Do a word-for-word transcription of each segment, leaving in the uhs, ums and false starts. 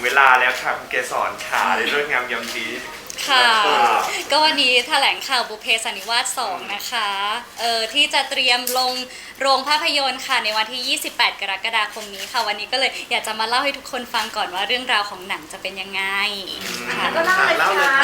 เวลาแล้วค่ะคุณเกศรขาในเรื่องงามยามดีค่ะก็วันนี้แถลงข่าวบุพเพสันนิวาสสองนะคะเออที่จะเตรียมลงโรงภาพยนตร์ค่ะในวันที่ยี่สิบแปดกรกฎาคมนี้ค่ะวันนี้ก็เลยอยากจะมาเล่าให้ทุกคนฟังก่อนว่าเรื่องราวของหนังจะเป็นยังไงค่ะก็เล่าเลยค่ะ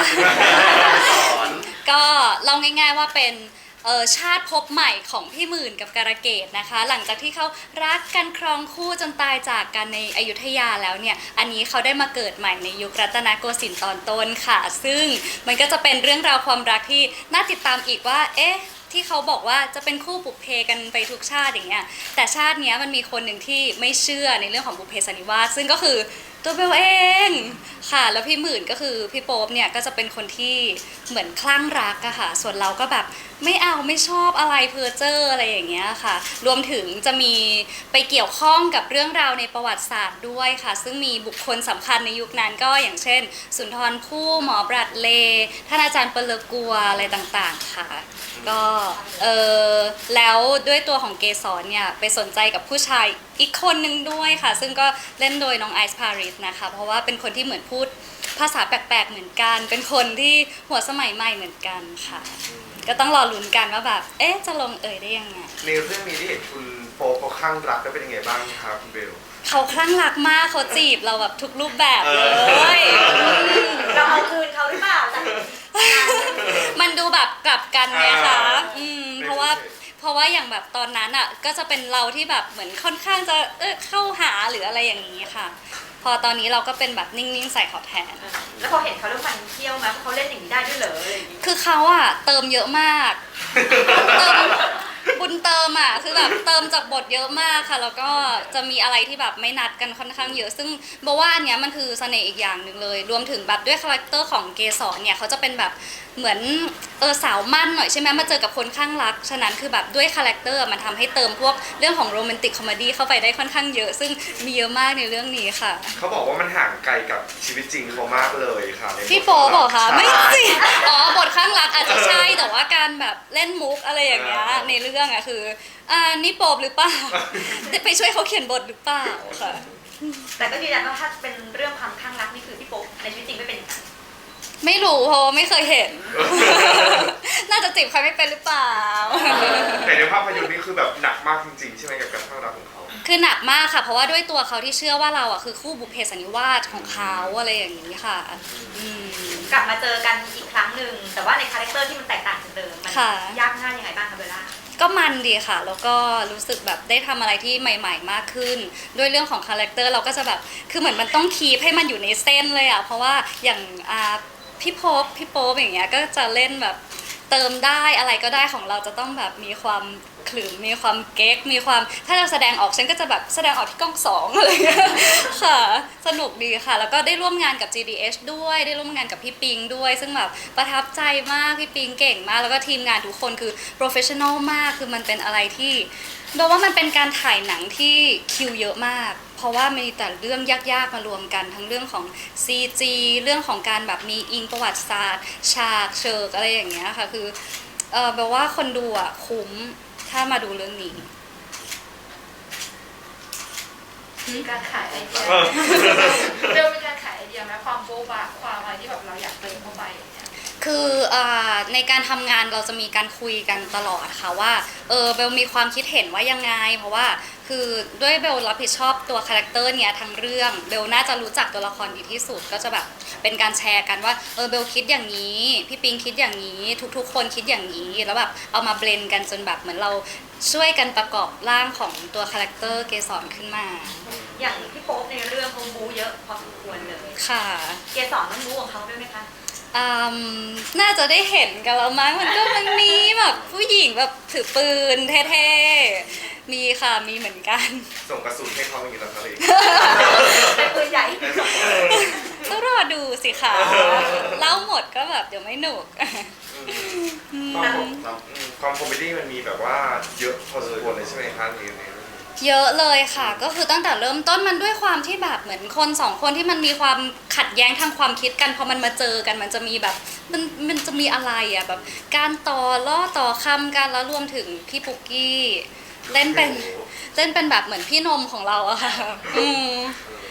ก็เล่าง่ายๆว่าเป็นเออชาติภพใหม่ของพี่หมื่นกับการะเกดนะคะหลังจากที่เขารักกันครองคู่จนตายจากกันในอยุธยาแล้วเนี่ยอันนี้เขาได้มาเกิดใหม่ในยุครัตนโกสินทร์ตอนต้นค่ะซึ่งมันก็จะเป็นเรื่องราวความรักที่น่าติดตามอีกว่าเอ๊ะที่เขาบอกว่าจะเป็นคู่บุพเพกันไปทุกชาติอย่างเงี้ยแต่ชาติเนี้ยมันมีคนหนึ่งที่ไม่เชื่อในเรื่องของบุพเพสันนิวาสซึ่งก็คือตัวเบลเองค่ะแล้วพี่หมื่นก็คือพี่โป๊ปเนี่ยก็จะเป็นคนที่เหมือนคลั่งรักอะค่ะส่วนเราก็แบบไม่เอาไม่ชอบอะไรเพอเจอร์อะไรอย่างเงี้ยค่ะรวมถึงจะมีไปเกี่ยวข้องกับเรื่องราวในประวัติศาสตร์ด้วยค่ะซึ่งมีบุคคลสำคัญในยุคนั้นก็อย่างเช่นสุนทรภู่หมอบรัดเลท่านอาจารย์เปเลอกัวอะไรต่างๆค่ะก็เออแล้วด้วยตัวของเกสรเนี่ยไปสนใจกับผู้ชายอีกคนนึงด้วยค่ะซึ่งก็เล่นโดยน้องไอซ์พาริสนะคะเพราะว่าเป็นคนที่เหมือนพูดภาษาแปลกๆเหมือนกันเป็นคนที่หัวสมัยใหม่เหมือนกันค่ะก็ต้องรอลุ้นกันว่าแบบเอ๊ะจะลงเอยได้ยังไงในเรื่องนี้ที่เห็นคุณโป๊ปเขาข้างรักก็เป็นยังไงบ้างครับคุณเบลเขาคลั่งรักมากเขาจีบเราแบบทุกรูปแบบเลยเราเอาคืนเขาหรือเปล่าแต่มันดูแบบกลับกันไงคะอืมเพราะว่าเพราะว่าอย่างแบบตอนนั้นอ่ะก็จะเป็นเราที่แบบเหมือนค่อนข้างจะเออเข้าหาหรืออะไรอย่างนี้ค่ะพอตอนนี้เราก็เป็นแบบนิ่งๆใส่เขาแทนแล้วพอเห็นเขาเรื่องฟันเที่ยวไหมเขาเล่นอย่างนี้ได้ด้วยเหรออะไรอย่างนี้คือเขาอ่ะเติมเยอะมากเติมบุญเติมอ่ะคือแบบเติมจากบทเยอะมากค่ะแล้วก็จะมีอะไรที่แบบไม่นัดกันค่อนข้างเยอะซึ่งบอกว่าอันเนี้ยมันคือเสน่ห์อีกอย่างหนึ่งเลยรวมถึงแบบด้วยคาแรคเตอร์ของเกสรเนี่ยเขาจะเป็นแบบเหมือนเออสาวมั่นหน่อยใช่ไหมมาเจอกับคนข้างรักฉะนั้นคือแบบด้วยคาแรคเตอร์มันทำให้เติมพวกเรื่องของโรแมนติกคอมเมดี้เข้าไปได้ค่อนข้างเยอะซึ่งมีเยอะมากในเรื่องนี้ค่ะเขาบอกว่ามันห่างไกลกับชีวิตจริงเขามากเลยค่ะพี่โป๊บอกค่ะไม่จริงอ๋อบทข้างรักอาจจะใช่แต่ว่าการแบบเล่นมุกอะไรอย่างเงี้ยในเรื่องอะคืออ่านี่โป๊หรือเปล่าไปช่วยเขาเขียนบทหรือเปล่าค่ะแต่ก็ยืนยันว่าถ้าเป็นเรื่องความข้างรักนี่คือพี่โป๊ในชีวิตจริงไม่เป็นอย่างนั้นไม่รู้เพราะไม่เคยเห็นน่าจะจีบใครไม่เป็นหรือเปล่าแต่ในภาพยนตร์นี้คือแบบหนักมากจริงๆใช่ไหมกับการข้างรักของเขาคือหนักมากค่ะเพราะว่าด้วยตัวเขาที่เชื่อว่าเราอ่ะคือคู่บุพเพสันนิวาสของเขาอะไรอย่างนี้ค่ะกลับมาเจอกันอีกครั้งหนึ่งแต่ว่าในคาแรคเตอร์ที่มันแตกต่างจากเดิมมันยากง่ายยังไงบ้างคะเบลล่าก็มันดีค่ะแล้วก็รู้สึกแบบได้ทำอะไรที่ใหม่ๆมากขึ้นด้วยเรื่องของคาแรคเตอร์เราก็จะแบบคือเหมือนมันต้องคีปให้มันอยู่ในเส้นเลยอ่ะเพราะว่าอย่างอ่าพี่โป๊ปพี่โป๊ปอย่างเงี้ยก็จะเล่นแบบเติมได้อะไรก็ได้ของเราจะต้องแบบมีความขลุ่มมีความเก๊กมีความถ้าเราแสดงออกฉันก็จะแบบแสดงออกที่กล้องสองอะไรเงี้ยค่ะสนุกดีค่ะแล้วก็ได้ร่วมงานกับ จี ดี เอช ด้วยได้ร่วมงานกับพี่ปิงด้วยซึ่งแบบประทับใจมากพี่ปิงเก่งมากแล้วก็ทีมงานทุกคนคือโปรเฟชชั่นอลมากคือมันเป็นอะไรที่บอกว่ามันเป็นการถ่ายหนังที่คิวเยอะมากเพราะว่ามีแต่เรื่องยากๆมารวมกันทั้งเรื่องของ ซี จี เรื่องของการแบบมีอิงประวัติศาสตร์ฉากเชิงอะไรอย่างเงี้ยค่ะคือเออแปลว่าคนดูอ่ะคุ้มถ้ามาดูเรื่องนี้มีการขายไอเดียเรื่องเป็นการขายไอเดียไหมความโบ๊ะบะความอะไรที่แบบเราอยากเติมเข้าไปคือในการทำงานเราจะมีการคุยกันตลอดค่ะว่าเออเบลมีความคิดเห็นว่ายังไงเพราะว่าคือด้วยเบลรับผิดชอบตัวคาแรคเตอร์เนี้ยทั้งเรื่องเบลน่าจะรู้จักตัวละครดีที่สุดก็จะแบบเป็นการแชร์กันว่าเออเบลคิดอย่างนี้พี่ปิงคิดอย่างนี้ทุกๆคนคิดอย่างนี้แล้วแบบเอามาเบลนกันจนแบบเหมือนเราช่วยกันประกอบร่างของตัวคาแรคเตอร์เกสรขึ้นมาอย่างพี่โป๊ปในเรื่องเขาบู๊เยอะพอสมควรเลยค่ะเกสรต้องบู๊ของเขาด้วยไหมคะน่าจะได้เห็นกันแล้วมั้งมันก็มันมีแบบผู้หญิงแบบถือปืนเท่ๆมีค่ะมีเหมือนกันส่งกระสุนให้เขาอย่างนี้แล้วเขาเลยเป็นปืนใหญ่ต้องรอดูสิค่ะเล่าหมดก็แบบเดี๋ยวไม่หนุกความคอมเมดี้มันมีแบบว่าเยอะพอสมควรเลยใช่ไหมคะในในเยอะเลยค่ะก็คือตั้งแต่เริ่มต้นมันด้วยความที่แบบเหมือนคนสองคนที่มันมีความขัดแย้งทางความคิดกันพอมันมาเจอกันมันจะมีแบบมันมันจะมีอะไรอ่ะแบบการต่อล้อต่อคำกันแล้วรวมถึงพี่ปุกกี้เล่นเป็นเล่นเป็นแบบเหมือนพี่นมของเราอะค่ะอืม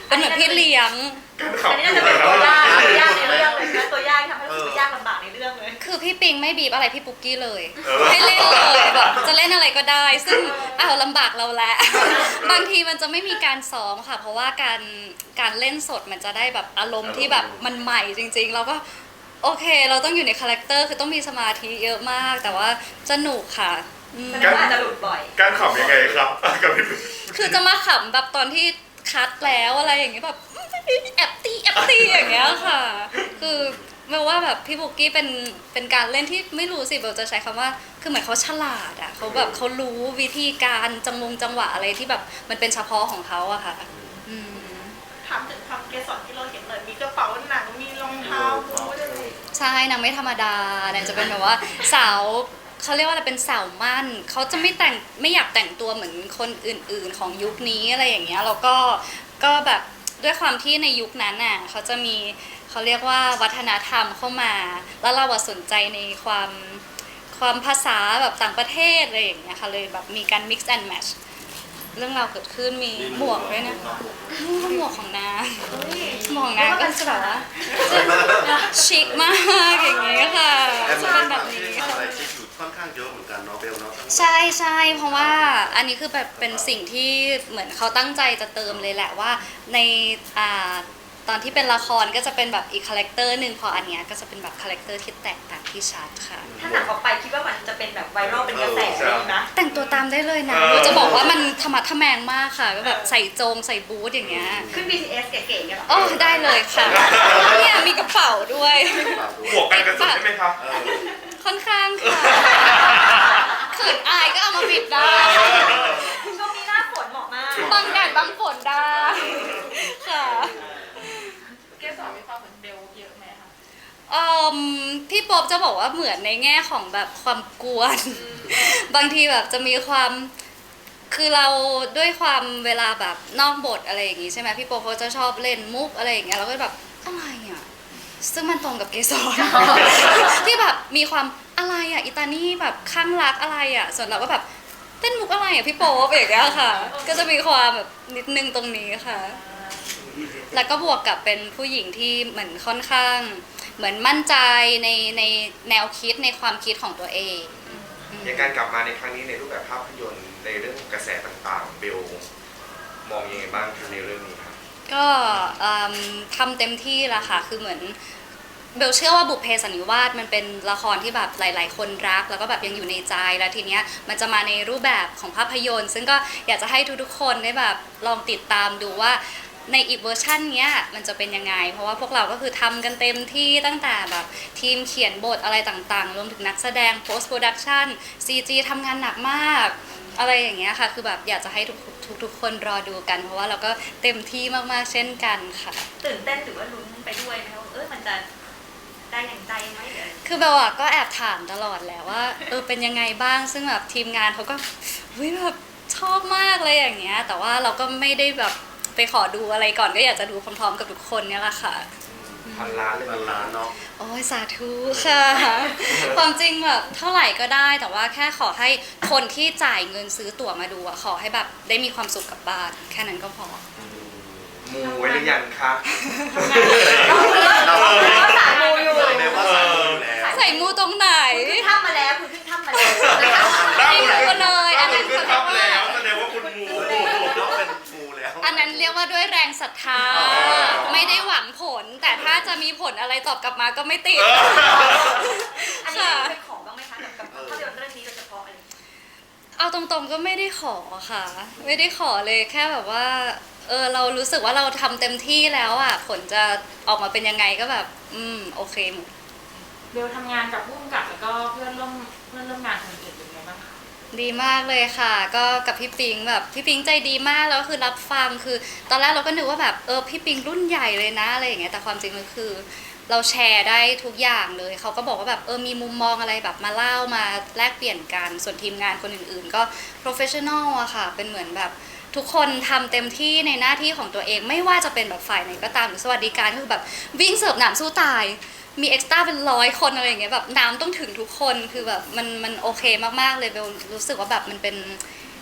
เป็นเหมือนพี่เลี้ยงการอันขับนี้น่าจะเป็นตัวยากตัวยากในเรื่องเลยนะตัวยากทำให้รู้สึกยากลำบากในเรื่องเลยคือพี่ปิงไม่บีบอะไรพี่ปุ๊กกี้เลย ให้เล่นเลยแบบจะเล่นอะไรก็ได้ ซึ่งอ้าวลำบากเราแหละ บางทีมันจะไม่มีการซ้อมค่ะ เพราะว่าการการเล่นสดมันจะได้แบบอารมณ์ที่แบบมันใหม่จริงๆเราก็โอเค เราต้องอยู่ในคาแรคเตอร์คือต้องมีสมาธิเยอะมาก แต่ว่าสนุกค่ะอืมแสดงว่าอาจจะหลุดบ่อยการขับยังไงครับกับพี่คือจะมาขำแบบตอนที่คัดแล้วอะไรอย่างเงี้ยแบบแอบตีแอบตีอย่างเงี้ยค่ะ คือเบลว่าแบบพี่บุกกี้เป็นเป็นการเล่นที่ไม่รู้สิเบลจะใช้คำว่าคือเหมือนเขาฉลาดอ่ะเขาแบบเขารู้วิธีการจังมงจังหวะอะไรที่แบบมันเป็นเฉพาะของเขาอะค่ะอืมถามถึงความเกสรที่เราเห็นเลยมีกระเป๋าหนังมีรองเท้าบูทอะไรใช่นางไม่ธรรมดานางจะเป็นแบบว่าสาวเขาเรียกว่าอะไรเป็นสาวมั่นเขาจะไม่แต่งไม่อยากแต่งตัวเหมือนคนอื่นๆของยุคนี้อะไรอย่างเงี้ยแล้วก็ก็แบบด้วยความที่ในยุคนั้นน่ะเขาจะมีเขาเรียกว่าวัฒนธรรมเข้ามา แล้วเราอะสนใจในความความภาษาแบบต่างประเทศอะไรอย่างเงี้ยค่ะเลยแบบมีการ mix and match เรื่องราวเกิดขึ้นมีหมวกด้วยนะนี่ก็หมวกของนางหมวกของนางก็จะแบบว่าชิคมากอย่างเงี้ยค่ะแอมจะมาเป็นแบบนี้ทำค่ะอะไรที่อยู่ค่อนข้างเยอะเหมือนกันเนาะเบลเนาะใช่ใช่เพราะว่าอันนี้คือแบบเป็นสิ่งที่เหมือนเขาตั้งใจจะเติมเลยแหละว่าในอ่าตอนที่เป็นละครก็จะเป็นแบบอีกคาแรคเตอร์หนึ่งพออันเนี้ยก็จะเป็นแบบคาแรคเตอร์ที่แตกต่างที่ชัดค่ะถ้าหนังออกไปคิดว่ามันจะเป็นแบบไวรัลเป็นกระแสอะไรอย่างนี้นะแต่งตัวตามได้เลยนะเราจะบอกว่ามันธรรมะทแมงมากค่ะก็แบบใส่โจงใส่บูทอย่างเงี้ยขึ้น บี ที เอส เก๋ๆกันเหรออ๋อได้เลยค่ะเนี่ยมีกระเป๋าด้วยบวกกันกระสุนใช่ไหมครับเออค่อนข้างค่ะเขินอายก็เอามาบิดได้ช่วงนี้หน้าฝนเหมาะมากบังแดดบังฝนได้ค่ะเกสรมีความเหมือนเบลเยอะไหมคะเอ่อพี่โป๊บจะบอกว่าเหมือนในแง่ของแบบความกวน บางทีแบบจะมีความคือเราด้วยความเวลาแบบนอกบทอะไรอย่างงี้ใช่ไหมพี่โป๊บเขาจะชอบเล่นมุกอะไรอย่างเงี้ยเราก็แบบอะไรอ่ะซึ่งมันตรงกับเกสร ที่แบบมีความอะไรอ่ะอิตานี่แบบข้างรักอะไรอ่ะส่วนเราก็แบบเต้นมุกอะไรอ่ะพี่โป๊บอย่างเงี้ยค่ะ ก็จะมีความแบบนิดนึงตรงนี้ค่ะ แล้วก็บวกกับเป็นผู้หญิงที่เหมือนค่อนข้าง เหมือนมั่นใจในในแนวคิดในความคิดของตัวเองอืมอย่างการกลับมาในครั้งนี้ในรูปแบบภาพยนตร์ในเรื่องกระแสต่างๆเบลมองยังไงบ้างในเรื่องนี้ครับก็เอิ่มทำเต็มที่ละค่ะ คือเหมือนเบลเชื่อว่าบุพเพสันนิวาสมันเป็นละครที่แบบหลาย ๆ คนรัก แล้วก็แบบยังอยู่ในใจแล้วทีเนี้ยมันจะมาในรูปแบบของภาพยนตร์ ซึ่งก็อยากจะให้ทุกๆคนได้แบบลองติดตามดูว่าในอีกเวอร์ชันเนี้ยมันจะเป็นยังไง เพราะว่าพวกเราก็คือทำกันเต็มที่ตั้งแต่แบบทีมเขียนบทอะไรต่างๆ รวมถึงนักแสดง post production ซี จี ทำงานหนักมาก อะไรอย่างเงี้ยค่ะ คือแบบอยากจะให้ทุกทุกทุกคนรอดูกัน เพราะว่าเราก็เต็มที่มากๆเช่นกันค่ะตื่นเต้นหรือว่าลุ้นไปด้วยไหมว่าเออมันจะได้อย่างใจไหมเดี๋ยวคือเบลอะก็แอบถามตลอดแหละว่าเออเป็นยังไงบ้างซึ่งแบบทีมงานเขาก็เฮ้ยแบบชอบมากเลยอย่างเงี้ยแต่ว่าเราก็ไม่ได้แบบไปขอดูอะไรก่อนก็อยากจะดูพร้อมๆกับทุกคนเนี่ยแหละค่ะพันล้านเลยมันล้านเนาะโอ้ยสาธุค่ะ ความจริงแบบเท่าไหร่ก็ได้แต่ว่าแค่ขอให้คนที่จ่ายเงินซื้อตั๋วมาดูอะขอให้แบบได้มีความสุขกับบ้านแค่นั้นก็พอมูไว้หรือยังครับเราเราสายมูอยู่เบลว่าสายมูอยู่แล้วใส่มูตรงไหนคุณขึ้นถ้ำมาแล้วคุณขึ้นถ้ำมาแล้วไม่รู้เลยอันนั้นคือเขาเรียกทำว่าแล้วแสดงว่าคุณมูน้องเป็นมูแล้วอันนั้นเรียกว่าด้วยแรงศรัทธาอ๋อไม่ได้หวังผล แต่ถ้าจะมีผลอะไรตอบกลับมาก็ไม่ติดอันนี้เป็นของบ้างไหมคะกับกับภาพยนตร์เรื่องนี้โดยเฉพาะอะไรเอาตรงๆก็ไม่ได้ขอค่ะ ไม่ได้ขอเลยแค่แบบว่าเออเรารู้สึกว่าเราทำเต็มที่แล้วอ่ะผลจะออกมาเป็นยังไงก็แบบ อืมโอเคหมดเบลทำงานกับผู้กำกับแล้วก็เพื่อนร่วมเพื่อนร่วมงานคนอื่นเป็นไงบ้างคะดีมากเลยค่ะ ก็กับพี่ปิงแบบพี่ปิงใจดีมากแล้วคือรับฟังคือ ตอนแรกเราก็นึกว่าแบบเออพี่ปิงรุ่นใหญ่เลยนะอะไรอย่างเงี้ยแต่ความจริงมันคือ เราแชร์ได้ทุกอย่างเลยเขาก็บอกว่าแบบเออมีมุมมองอะไรแบบมาเล่ามาแลกเปลี่ยนกันส่วนทีมงานคนอื่นๆ ก็ professional อะค่ะเป็นเหมือนแบบทุกคนทำเต็มที่ในหน้าที่ของตัวเองไม่ว่าจะเป็นแบบฝ่ายไหนก็ตามหรือสวัสดิการก็คือแบบวิ่งเสิร์ฟหนามสู้ตาย มีเอ็กซ์ตร้าเป็นร้อยคนอะไรอย่างเงี้ยแบบน้ำต้องถึงทุกคนคือแบบมันมันโอเคมากๆเลยเบลรู้สึกว่าแบบมันเป็น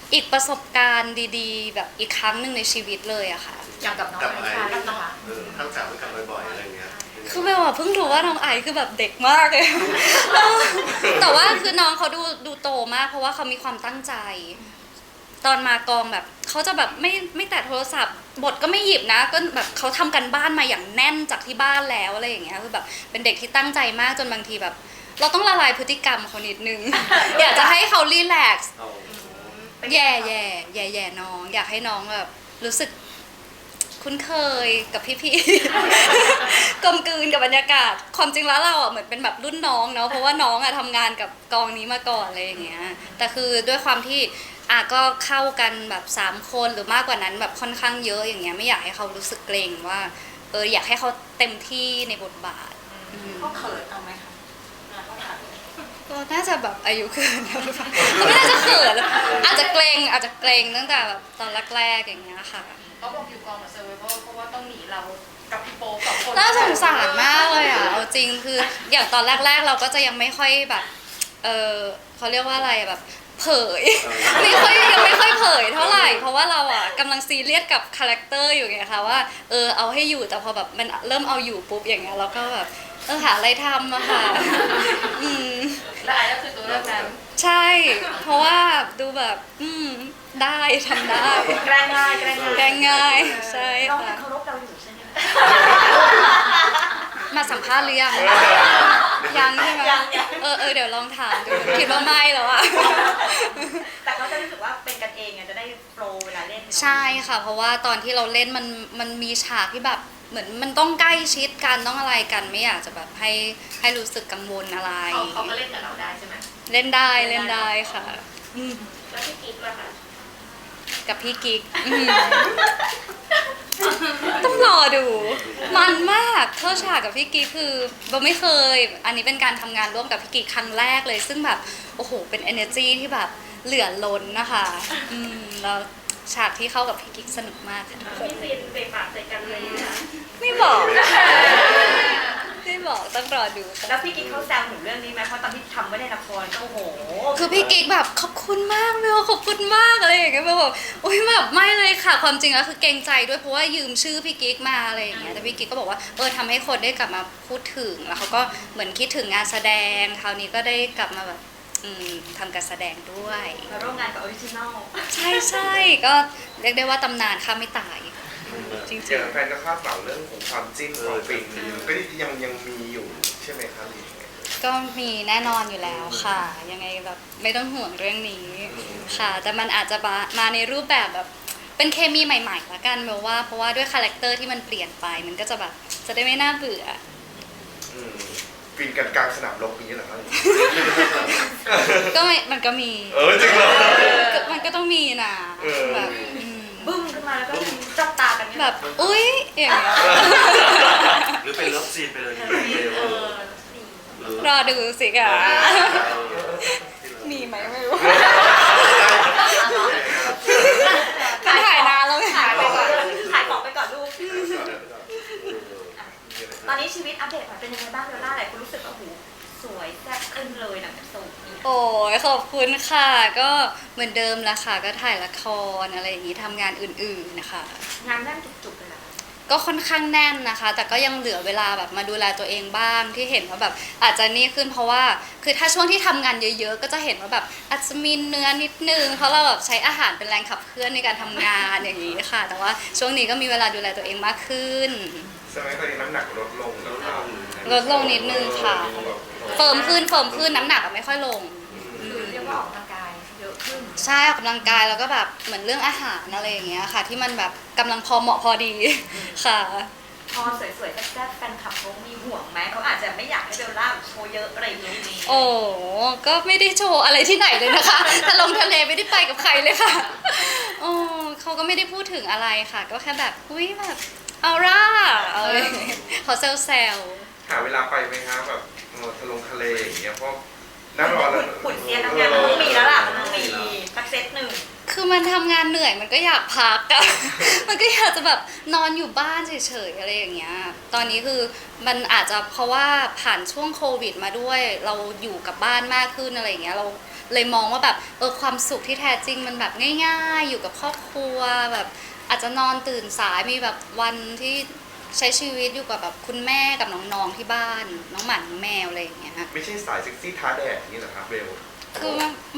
อีกประสบการณ์ดีๆ แบบอีกครั้งหนึ่งในชีวิตเลยอะค่ะอย่างกับน้องกับอไอ้ลิชาแล้วนะคะเออทั้งสามด้วยกันบ่อยๆอะไรอย่างเงี้ยคือเบลอะเพิ่งรู้ว่าน้องไอซ์คือแบบเด็กมากเลย แต่ว่าคือน้องเขาดูดูโตมากเพราะว่าเขามีความตั้งใจ ตอนมากองแบบเขาจะแบบไม่ไม่แตะโทรศัพท์ บทก็ไม่หยิบนะ ก็แบบเขาทำกันบ้านมาอย่างแน่นจากที่บ้านแล้วอะไรอย่างเงี้ยคือแบบเป็นเด็กที่ตั้งใจมากจนบางทีแบบ เราต้องละลายพฤติกรรมเขานิดนึง อยากจะให้เขารีแลกซ์เอาแย่แย่แย่แย่น้อง อยากให้น้องแบบรู้สึกคุ้นเคยกับพี่ๆ กลมกลืนกับบรรยากาศ ความจริงแล้วเราอ่ะเหมือนเป็นแบบรุ่นน้องเนาะเพราะว่าน้องอ่ะทำงานกับกองนี้มาก่อนอะไรอย่างเงี้ยแต่คือด้วยความที่อ่ะก็เข้ากันแบบสามคนหรือมากกว่านั้นแบบค่อนข้างเยอะอย่างเงี้ยไม่อยากให้เขารู้สึกเกรงว่าเอออยากให้เขาเต็มที่ในบทบาทอืมเขาเขินเอาไหมคะเขาถามก็น่าจะแบบอายุเกินแล้วหรือเปล่าก็ไม่น่าจะเขินอาจจะเกรงอาจจะเกรงตั้งแต่แบบตอนแรกๆอย่างเงี้ยค่ะเขาบอกอยู่กองเหมือนเซอร์ไวเวอร์เพราะว่าต้องหนีเรากับพี่โป๊ปสองคนน่าสงสารมากเลยอ่ะเอาจริงคืออย่างตอนแรกๆ เราก็จะยังไม่ค่อยแบบเออเขาเรียกว่าอะไรอะแบบเผย ไม่ค่อยยังไม่ค่อยเผยเท่าไหร่เพราะว่าเราอ่ะกำลังซีเรียสกับคาแรคเตอร์อยู่ไงคะว่าเออเอาให้อยู่แต่พอแบบมันเริ่มเอาอยู่ปุ๊บอย่างเงี้ยเราก็แบบเออหาอะไรทำอะค่ะอืมและไอ้ก็คือตัวเลือกนั้นใช่ เพราะว่าดูแบบอืมได้ทำได้แกล้งง่ายแกล้งง่ายแกงง่ายใช่น้องค่ะยังเคารพเราอยู่ใช่ไหมคะมาสัมภาษณ์หรือยังยังใช่ไหมยังยังเออเออเดี๋ยวลองถามดูคิดว่าไม่แล้วอะแต่เขาจะรู้สึกว่าเป็นกันเองไงจะได้โปรเวลาเล่นเนอะใช่ค่ะ เพราะว่าตอนที่เราเล่นมันมันมีฉากที่แบบเหมือนมันต้องใกล้ชิดกันต้องอะไรกันไม่อยากจะแบบให้ให้รู้สึกกังวลอะไรเขาเขาก็เล่นกับเราได้ใช่ไหมเล่นได้เล่นได้ค่ะอืมแล้วพี่กิ๊กล่ะคะกับพี่กิ๊กอืมต้องรอดู มันมากเข้าฉากกับพี่กิ๊กคือโบไม่เคย อันนี้เป็นการทำงานร่วมกับพี่กิ๊กครั้งแรกเลย ซึ่งแบบโอ้โหเป็น energy ที่แบบเหลือล้นนะคะอืมแล้วฉากที่เข้ากับพี่กิ๊กสนุกมากค่ะมีซีนเบะปากใส่กันเลยนะไม่บอกไม่บอกต้องรอดูค่ะแล้วพี่กิ๊กเขาแซวหนูเรื่องนี้ไหมเพราะตอนที่ทำไม่ได้ละครก็โอ้โหคือพี่กิ๊กแบบขอบคุณมากเบลขอบคุณมากอะไรอย่างเงี้ยเบลแบบอุ้ยแบบไม่เลยค่ะ ความจริงแล้วคือเกรงใจด้วยเพราะว่ายืมชื่อพี่กิ๊กมาอะไรอย่างเงี้ยแต่พี่กิ๊กก็บอกว่าเออทำให้คนได้กลับมาพูดถึงแล้วเขาก็เหมือนคิดถึงงานแสดงคราวนี้ก็ได้กลับมาแบบอืมทำการแสดงด้วยมาร่วมงานกับออริจินอลใช่ใช่ก็เรียกได้ว่าตำนานข้ามไม่ตาย จริงอย่างแฟนก็คาดหวังเรื่องของความจิ้นความฟินก็ยังยังมีอยู่ใช่ไหมครับหรือยังไงๆก็มีแน่นอนอยู่แล้วค่ะ ยังไงแบบไม่ต้องห่วงเรื่องนี้ค่ะ แต่มันอาจจะมามาในรูปแบบแบบเป็นเคมีใหม่ๆละกันเบลว่าเพราะว่าด้วยคาแรคเตอร์ที่มันเปลี่ยนไป มันก็จะแบบจะได้ไม่น่าเบื่ออืมฟินกันกลางสนามรบนี้เหรอครับก็ไม่มันก็มีเออจริงเหรอก็มันก็ต้องมีนะเออแบบอืมบึ้มขึ้นมาแล้วก็จ้องตากันเนี่ยแบบอุ๊ยอย่างเงี้ยหรือเป็นเลิฟซีนไปเลยดีเออหรือรอดูสิค่ะเออมีไหมไม่รู้ ถ่ายนานแล้วไงขายไปก่อนขายของไปก่อนลูก ตอนนี้ชีวิตอัปเดตเป็นยังไงบ้างเบลล่าหลายคนรู้สึกว่าโอ้โหสวยแซ่บขึ้นเลยหลังจากโสดเนี่ยโอ้ยขอบคุณค่ะ ก็เหมือนเดิมละค่ะ ก็ถ่ายละครอะไรอย่างนี้ทำงานอื่นๆนะคะงานแน่นจุกๆเลยนะก็ค่อนข้างแน่นนะคะ แต่ก็ยังเหลือเวลาแบบมาดูแลตัวเองบ้างที่เห็นว่าแบบอาจจะนี่ขึ้นเพราะว่าคือถ้าช่วงที่ทำงานเยอะๆ ก็จะเห็นว่าแบบอาจจะมีเนื้อนิดนึงเพราะเราแบบใช้อาหารเป็นแรงขับเคลื่อนในการทำงานอย่างนี้ค่ะ แต่ว่าช่วงนี้ก็มีเวลาดูแลตัวเองมากขึ้นใช่ไหมตอนนี้น้ำหนักลดลงแล้วครับลดลงนิดนึงค่ะ เฟิร์มขึ้นเฟิร์มขึ้นน้ำหนักอะไม่ค่อยลงคือเรียกว่าออกกำลังกายเยอะขึ้นใช่ออกกำลังกายแล้วก็แบบเหมือนเรื่องอาหารอะไรอย่างเงี้ยค่ะ ที่มันแบบกำลังพอเหมาะพอดีค่ะพอสวยๆแซ่บๆแฟนคลับเขามีห่วงไหมเขาอาจจะไม่อยากให้เบลล่าโชว์เยอะอะไรอย่างนี้โอ้ก็ไม่ได้โชว์อะไรที่ไหนเลยนะคะ ถ้าลงทะเลไม่ได้ไปกับใครเลยค่ะโอ้เขาก็ไม่ได้พูดถึงอะไรค่ะ ก็แค่แบบอุ้ยแบบเอาร่าเอาเขาเซลเซลหาเวลาไปไหมครับแบบเออทะลงทะเลอย่างเงี้ยเพราะน่ารอแล้วขุนเซียนทำงานมันต้องมีแล้วล่ะมันต้องมีสักเซตหนึ่งคือมันทำงานเหนื่อยมันก็อยากพักอะ มันก็อยากจะแบบนอนอยู่บ้านเฉยๆอะไรอย่างเงี้ย ตอนนี้คือมันอาจจะเพราะว่าผ่านช่วงโควิดมาด้วย เราอยู่กับบ้านมากขึ้นอะไรอย่างเงี้ย เราเลยมองว่าแบบเออความสุขที่แท้จริงมันแบบง่ายๆ อยู่กับครอบครัวแบบอาจจะนอนตื่นสายมีแบบวันที่ใช้ชีวิตอยู่กับแบบคุณแม่กับน้องๆที่บ้านน้องหมาน้องแมวอะไรอย่างเงี้ยไม่ใช่สายเซ็กซี่ท้าแดดอย่างนี้เหรอครับเบลคือไม่ไม่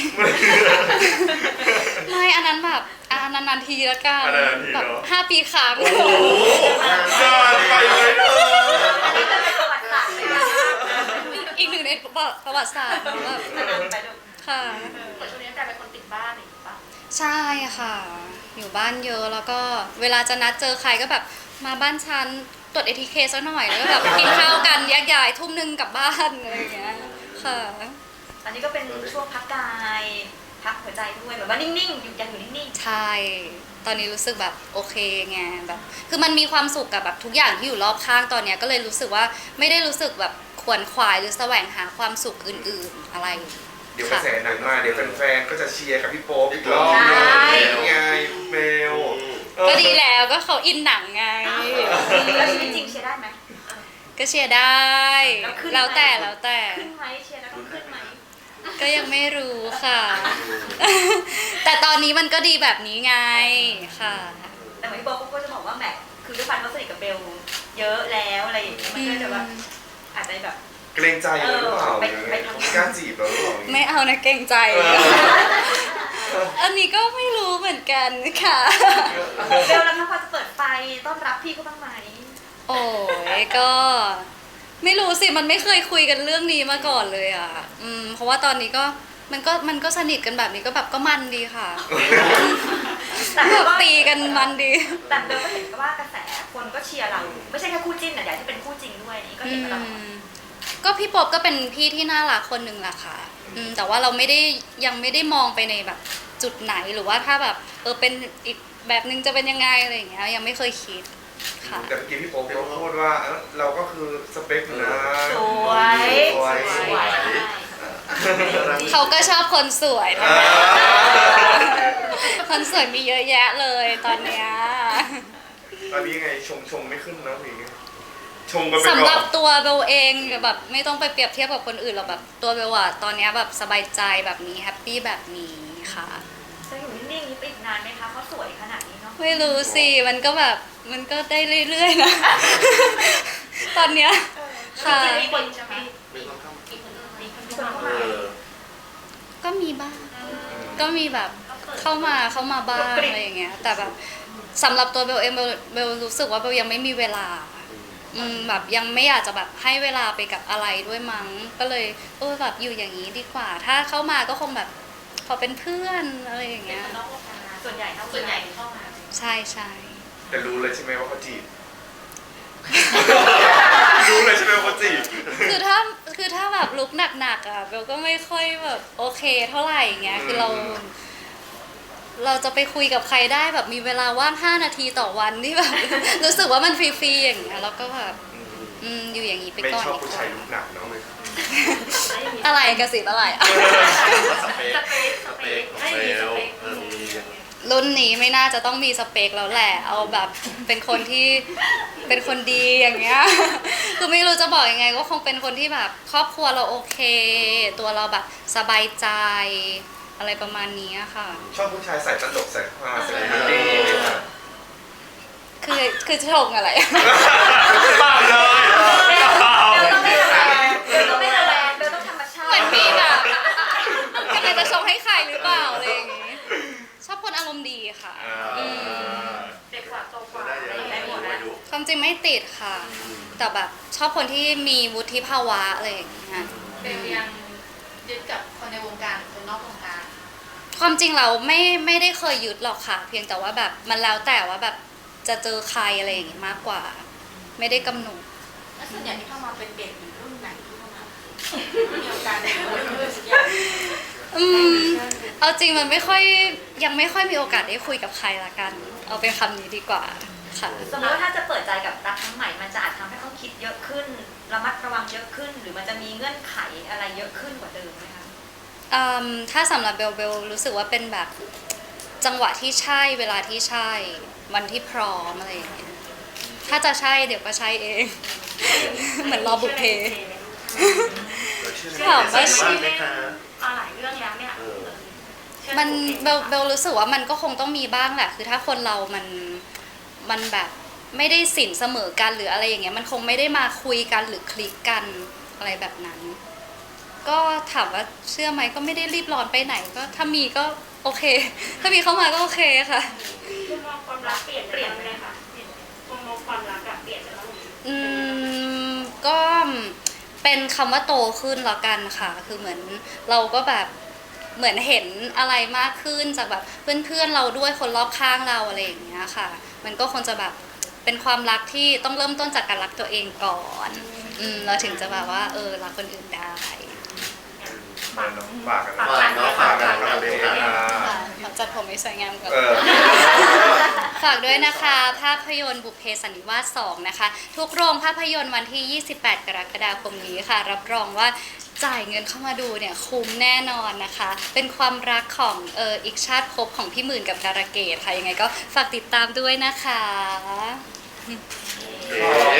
ไม่อันนั้นแบบอันนั้นนานๆทีละกันอันนั้นนานทีแบบเนอะห้าปีครั้งโอ้โหนานไปเลยเอออันนี้จะเป็นประวัติศาสตร์เลยนะอีกหนึ่งในประวัติศาสตร์แบบนานไปลูกค่ะเหมือนช่วงนี้กลายเป็นคนติดบ้านอย่างนี้ปะใช่ค่ะ อยู่บ้านเยอะแล้วก็เวลาจะนัดเจอใครก็แบบมาบ้านฉันตรวจ เอ ที เค ซะหน่อยแล้วก็แบบไปกินข้าวกันแยกย้ายทุ่มหนึงกลับบ้านอะไรอย่างเงี้ยค่ะอันนี้ก็เป็นช่วงพักกายพักหัวใจด้วยแบบว่านิ่งๆอยู่ยังอยู่นิ่งใช่ ตอนนี้รู้สึกแบบโอเคไงแบบ คือมันมีความสุขกับแบบทุกอย่างที่อยู่รอบข้างตอนเนี้ยก็เลยรู้สึกว่าไม่ได้รู้สึกแบบขวนขวายหรือแสวงหาความสุขอื่นๆอะไรเดี๋ยวกระแสหนังมาเดี๋ยวแฟนๆก็จะเชียร์กับพี่โป๊ปอีกรอบนึงไงเบลก็ดีแล้วก็เขาอินหนังไงๆแล้วชีวิตจริงเชียร์ได้ไหมก็เชียร์ได้แล้วขึ้นไหมแล้วแต่แล้วแต่ขึ้นไหมเชียร์แล้วต้องขึ้นไหมก็ยังไม่รู้ค่ะ แต่ตอนนี้มันก็ดีแบบนี้ไงค่ะแต่เหมือนพี่โบ๊ทก็จะบอกว่าแหมคือด้วยความเขาสนิทกับเบลเยอะแล้วอะไรอย่างเงี้ยมันก็จะแบบอาจจะแบบเกรงใจเราหรือเปล่าเออไปไปทำไม่กล้าจีบเราหรือเปล่าไม่เอานะเกรงใจเอออันนี้ก็ไม่รู้เหมือนกันค่ะเบลแล้วถ้าพอจะเปิดไฟต้อนรับพี่เขาบ้างไหมโอ้ยก็ ไม่รู้สิมันไม่เคยคุยกันเรื่องนี้มาก่อนเลยอ่ะ อืมเพราะว่าตอนนี้ก็มันก็มันก็สนิทกันแบบนี้ก็แบบก็มันดีค่ะแต่แบเบลบก็ตีกันมันดีแต่เบลก็เห็นว่ากระแสคนก็เชียร์เรา ไม่ใช่แค่คู่จิ้นแต่อยากให้เป็นคู่จริงด้วยนี่ก็อืเห็นมาตลอดมก็พี่ป๊อบก็เป็นพี่ที่น่ารักคนหนึ่งแหละค่ะอืมแต่ว่าเราไม่ได้ยังไม่ได้มองไปในแบบจุดไหนหรือว่าถ้าแบบเออเป็นอีกแบบนึงจะเป็นยังไงอะไรอย่างเงี้ยยังไม่เคยคิดค่ะแต่เมื่อกี้พี่โป๊ปเขาพูดว่าเอ้าเราก็คือสเปคอยู่นะสวยสวยสวยเขาก็ชอบคนสวยอ่าคนสวยมีเยอะแยะเลยตอนเนี้ยตอนนี้ยังไงชมชมไม่ขึ้นนะพี่ชมกันไปสำหก่รัอบ นตัวเบลเองแบบไม่ต้องไปเปรียบเทียบกับคนอื่นหรอกแบบตัวเบลอะตอนเนี้ยแบบสบายใจแบบนี้แฮปปี้แบบนี้ค่ะจะอยู่นิ่งๆนี้ไปอีกนานไหมคะเขาสวยขนาดนี้เนาะไม่รู้สิมันก็แบบมันก็ได้เรื่อยๆนะ ตอนเนี้ยค่ะจริงๆมีคนใช่ไหมไม่ต้องเข้าอีกคนนึงมีคนเข้าเอมาอก็มีบ้างก็มีแบบเข้ามาเข้ามาบ้างอะไรอย่างเงี้ยแต่แบบสำหรับตัวเบลเองเบลเบลรู้สึกว่าเบลยังไม่มีเวลาอืมแบบยังไม่อยากจะแบบให้เวลาไปกับอะไรด้วยมั้งก็เลยเออแบบอยู่อย่างนี้ดีกว่า ถ้าเข้ามาก็คงแบบขอเป็นเพื่อนอะไรอย่างเงี้ยนอกวงการส่วนใหญ่เท่าส่วนใหญ่เข้ามาใช่ใช่แต่รู้เลยใช่ไหมว่าเขาจีบ รู้เลยใช่ไหมว่าเขาจีบคือถ้าคือถ้าแบบลุกหนักๆอ่ะเบลก็ไม่ค่อยแบบโอเคเท่าไหร่อย่างเงี้ยคือเรา เราจะไปคุยกับใครได้แบบมีเวลาว่างห้านาทีต่อวันที่แบบ รู้สึกว่ามันฟรีๆอย่างเงี้ยแล้วก็แบบอืมอยู่อย่างนี้ไปไม่ก่อนชอบดีผู้กชายว่าลุกหนักเนาะอะไรกระสิบอะไรสเปคสเปคสเปคของเบลเออมีรุ่นนี้ไม่น่าจะต้องมีสเปคแล้วแหละ เอาแบบเป็นคนที่เป็นคนดีอย่างเงี้ย คือไม่รู้จะบอกยังไงก็คงเป็นคนที่แบบครอบครัวเราโอเค ตัวเราแบบสบายใจอะไรประมาณนี้ค่ะชอบผู้ชายใส่ตลกใส่ฮาใส่คอมเมดี้ไหมครับคือคือชงอะไรเปล่าเลยเบลต้องไม่ระแวงเบลต้องไม่ระแวงเบลต้องธรรมชาติเหมือนมีแบบกำลังจะชงให้ใครหรือเปล่าอะไรอย่างงี้ ชอบคนอารมณ์ดีค่ะอ่าอืมเด็กกว่าโตกว่าได้ได้ยังได้ไงหมดไม่แล้วรู้ความจริงไม่ติดค่ะ แต่แบบชอบคนที่มีวุฒิภาวะอะไรอย่างเงี้ยเบลยังยึดกับคนในวงการหรือคนนอกวงการความจริงเราไม่ไม่ได้เคยยึดหรอกค่ะ เพียงแต่ว่าแบบมันแล้วแต่ว่าแบบจะเจอใครอะไรอย่างงี้มากกว่า ไม่ได้กำหนดแล้วส่วนใหญ่ที่เข้ามาเป็นเด็กหรือรุ่นไหนที่เข้ามามีโอกาสได้คุยด้วยสักอย่างอืมเอาจริงมันไม่ค่อยยังไม่ค่อยมีโอกาสได้คุยกับใครละกัน เอาเป็นคำนี้ดีกว่าค่ะสมมติว่าถ้าจะเปิดใจกับรักครั้งใหม่มันจะอาจทำให้เขาคิดเยอะขึ้นระมัดระวังเยอะขึ้น หรือมันจะมีเงื่อนไขอะไรเยอะขึ้นกว่าเดิมไหมคะอืมถ้าสำหรับเบลเบลรู้สึกว่าเป็นแบบจังหวะที่ใช่เวลาที่ใช่วันที่พร้อมอะไรอย่างเงี้ยถ้าจะใช่เดี๋ยวก็ใช่เอง เหมือนรอบุพเพถามว่าชื่อไหมคะอ่าหลายเรื่องรื่องแล้วเนี่ยเออเชื่อมันตัวเองเบลเบลรู้สึกว่ามันก็คงต้องมีบ้างแหละคือถ้าคนเรามันมันแบบไม่ได้สินเสมอกันหรืออะไรอย่างเงี้ยมันคงไม่ได้มาคุยกันหรือคลิกกันอะไรแบบนั้น ก็ถามว่าเชื่อไหมก็ไม่ได้รีบร้อนไปไหนก็ถ้ามีก็โอเค ถ้ามีเข้ามาก็โอเคค่ะมุมมองความรักเปลี่ยนเปลี่ยนไปเลยค่ะมุมมองความรักอะเปลี่ยนไปแล้วอืมก็เป็นคำว่าโตขึ้นละกันค่ะ คือเหมือนเราก็แบบเหมือนเห็นอะไรมากขึ้นจากแบบเพื่อนๆเราด้วยคนรอบข้างเราอะไรอย่างเงี้ยค่ะ มันก็คงจะแบบเป็นความรักที่ต้องเริ่มต้นจากการรักตัวเองก่อนอืมเราถึงจะแบบว่าเออรักคนอื่นได้ฝากกันฝากกันฝากเนาะฝากกันฝากกันฝากกันค่ะขอจัดผมให้สวยงามก่อนเออฝากด้วยนะคะ ภาพยนตร์บุพเพสันนิวาสสองนะคะ ทุกโรงภาพยนตร์วันที่ ยี่สิบแปด กรกฎาคมนี้ค่ะ รับรองว่าจ่ายเงินเข้ามาดูเนี่ยคุ้มแน่นอนนะคะ เป็นความรักของเอออีกชาติภพของพี่หมื่นกับการะเกดค่ะ ยังไงก็ฝากติดตามด้วยนะคะโอเค